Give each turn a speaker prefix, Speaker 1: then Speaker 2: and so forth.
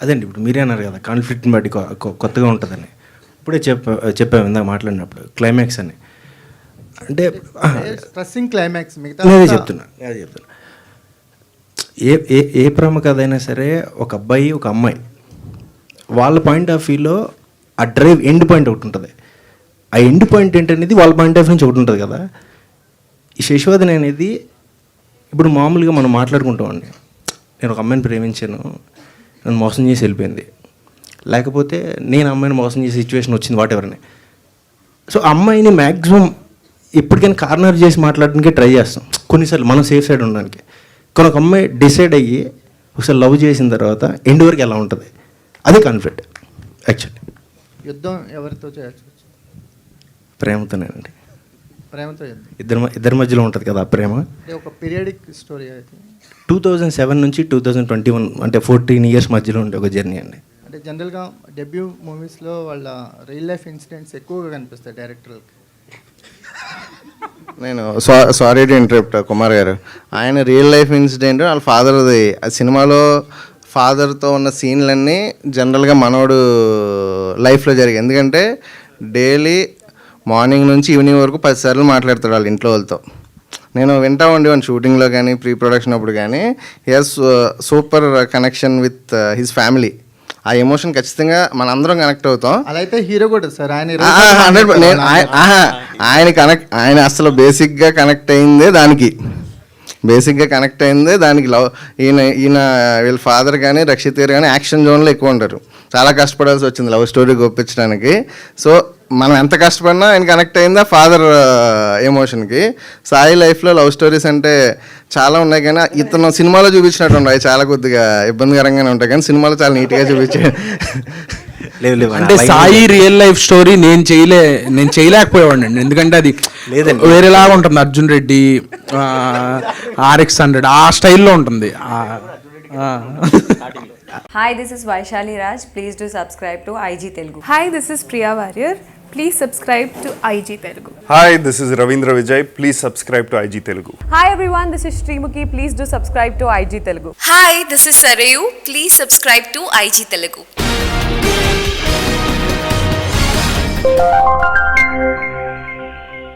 Speaker 1: అదండి ఇప్పుడు మీరే అన్నారు కదా కాన్ఫ్లిక్ట్ని బట్టి కొత్తగా ఉంటుందని. ఇప్పుడే చెప్పాము ఇందాక మాట్లాడినప్పుడు క్లైమాక్స్ అని. అంటే
Speaker 2: స్ట్రెస్సింగ్ క్లైమాక్స్
Speaker 1: నేనే చెప్తున్నా ఏ ప్రేమ కథ అయినా సరే ఒక అబ్బాయి ఒక అమ్మాయి వాళ్ళ పాయింట్ ఆఫ్ వ్యూలో ఆ డ్రైవ్ ఎండ్ పాయింట్ ఒకటి ఉంటుంది. ఆ ఎండ్ పాయింట్ ఏంటనేది వాళ్ళ పాయింట్ ఆఫ్ నుంచి ఒకటి ఉంటుంది కదా. ఈ శశివదన అనేది ఇప్పుడు మామూలుగా మనం మాట్లాడుకుంటామండి, నేను ఒక అమ్మాయిని ప్రేమించాను, నన్ను మోసం చేసి వెళ్ళిపోయింది, లేకపోతే నేను అమ్మాయిని మోసం చేసే సిచ్యువేషన్ వచ్చింది వాట్ ఎవర్ అని. సో అమ్మాయిని మ్యాక్సిమం ఎప్పటికైనా కార్నర్ చేసి మాట్లాడడానికి ట్రై చేస్తాం కొన్నిసార్లు మనం సేఫ్ సైడ్ ఉండడానికి. కానీ ఒక అమ్మాయి డిసైడ్ అయ్యి ఒకసారి లవ్ చేసిన తర్వాత ఎండ్ వరకు ఎలా ఉంటుంది, అదే కాన్ఫ్లిక్ట్ యాక్చువల్లీ.
Speaker 2: యుద్ధం ఎవరితో చేయొచ్చు?
Speaker 1: ప్రేమతోనేనండి.
Speaker 2: ప్రేమతో
Speaker 1: ఇద్దరి మధ్యలో ఉంటుంది కదా ఆ ప్రేమ.
Speaker 2: ఒక పీరియడిక్ స్టోరీ అయితే
Speaker 1: 2007 నుంచి 2021 అంటే 14 years మధ్యలో ఉండే ఒక జర్నీ అండి.
Speaker 2: అంటే జనరల్గా డెబ్యూ మూవీస్లో వాళ్ళ రియల్ లైఫ్ ఇన్సిడెంట్స్ ఎక్కువగా కనిపిస్తాయి డైరెక్టర్లకి.
Speaker 3: నేను సారీ టు ఇంటరప్ట్ కుమార్ గారు, ఆయన రియల్ లైఫ్ ఇన్సిడెంట్ వాళ్ళ ఫాదర్ది. ఆ సినిమాలో ఫాదర్తో ఉన్న సీన్లన్నీ జనరల్గా మనోడు లైఫ్లో జరిగాయి. ఎందుకంటే డైలీ మార్నింగ్ నుంచి ఈవినింగ్ వరకు 10 సార్లు మాట్లాడతాడు వాళ్ళ ఇంట్లో వాళ్ళతో. నేను వింటా ఉండేవాడిని షూటింగ్లో కానీ ప్రీ ప్రొడక్షన్ అప్పుడు కానీ. He has super connection with his family. ఆ ఎమోషన్ ఖచ్చితంగా మనందరం కనెక్ట్ అవుతాం.
Speaker 2: అలా అయితే హీరో కూడా సార్ ఆయన
Speaker 3: ఆయన అసలు బేసిక్గా కనెక్ట్ అయిందే దానికి లవ్. ఈయన వీళ్ళ ఫాదర్ కానీ రక్షిత్ గారు కానీ యాక్షన్ జోన్లో ఎక్కువ ఉంటారు. చాలా కష్టపడాల్సి వచ్చింది లవ్ స్టోరీకి ఒప్పించడానికి. సో మనం ఎంత కష్టపడినా ఆయన కనెక్ట్ అయిందా ఫాదర్ ఎమోషన్కి. సాయి లైఫ్లో లవ్ స్టోరీస్ అంటే చాలా ఉన్నాయి, కానీ ఇతను సినిమాలో చూపించినట్టు ఉన్నాయి, చాలా కొద్దిగా ఇబ్బందికరంగానే ఉంటాయి, కానీ సినిమాలో చాలా నీట్గా చూపించాడు.
Speaker 4: అంటే సాయి రియల్ లైఫ్ స్టోరీ నేను చేయలేకపోయేవాడిని అండి. ఎందుకంటే అది వేరేలాగా ఉంటుంది. అర్జున్ రెడ్డి, RX-100 ఆ స్టైల్లో ఉంటుంది.
Speaker 5: Hi, this is Vaishali Raj. Please do subscribe to IG Telugu.
Speaker 6: Hi, this is Priya Warrior. Please subscribe to IG Telugu.
Speaker 7: Hi, this is Ravindra Vijay. Please subscribe to IG Telugu.
Speaker 5: Hi everyone, this is Srimuki. Please do subscribe to IG Telugu.
Speaker 8: Hi, this is Sarayu. Please subscribe to IG Telugu.